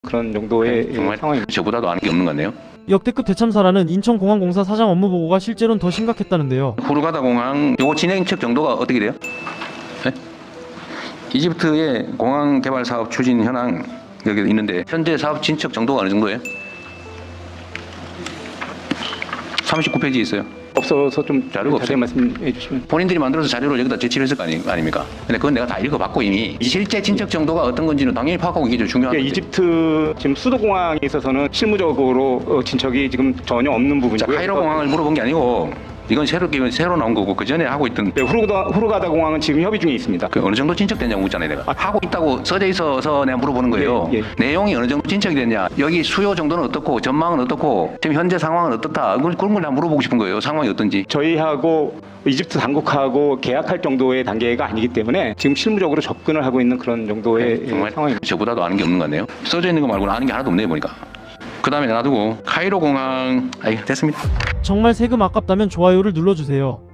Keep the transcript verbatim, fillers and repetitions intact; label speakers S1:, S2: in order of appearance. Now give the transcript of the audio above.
S1: 그런 정도의
S2: 네, 정말
S1: 상황입니다.
S2: 저보다도 아는 게 없는 것 같네요.
S3: 역대급 대참사라는 인천공항공사 사장 업무 보고가 실제로는 더 심각했다는데요.
S2: 후르가다 공항 요거 진행책 정도가 어떻게 돼요? 네? 이집트의 공항 개발 사업 추진 현황 여기 있는데 현재 사업 진척 정도가 어느 정도예요? 삼십구 페이지 있어요.
S1: 없어서 좀
S2: 자료가
S1: 자세히
S2: 없어요.
S1: 말씀해 주시면.
S2: 본인들이 만들어서 자료를 여기다 제출을 했을 거 아니, 아닙니까? 근데 그건 내가 다 읽어봤고 이미 실제 진척 정도가 어떤 건지는 당연히 파악하고 이게 좀 중요한
S1: 그러니까
S2: 거지.
S1: 이집트 지금 수도 공항에 있어서는 실무적으로 어, 진척이 지금 전혀 없는
S2: 자,
S1: 부분이고요.
S2: 카이로 공항을 물어본 게 아니고 이건 새로 새로 나온 거고 그 전에 하고 있던
S1: 네, 후르가다, 후르가다 공항은 지금 협의 중에 있습니다.
S2: 그 어느 정도 진척됐냐고 묻잖아요 내가.
S1: 아,
S2: 하고 있다고 써져 있어서 내가 물어보는 거예요.
S1: 예, 예.
S2: 내용이 어느 정도 진척이 됐냐, 여기 수요 정도는 어떻고 전망은 어떻고 지금 현재 상황은 어떻다, 그걸 그런 걸 다 물어보고 싶은 거예요. 상황이 어떤지.
S1: 저희하고 이집트 당국하고 계약할 정도의 단계가 아니기 때문에 지금 실무적으로 접근을 하고 있는 그런 정도의 예,
S2: 정말
S1: 상황입니다.
S2: 저보다도 아는 게 없는 것 같네요. 써져 있는 거 말고는 아는 게 하나도 없네요 보니까. 그 다음에 놔두고 카이로 공항. 아이 됐습니다.
S3: 정말 세금 아깝다면 좋아요를 눌러주세요.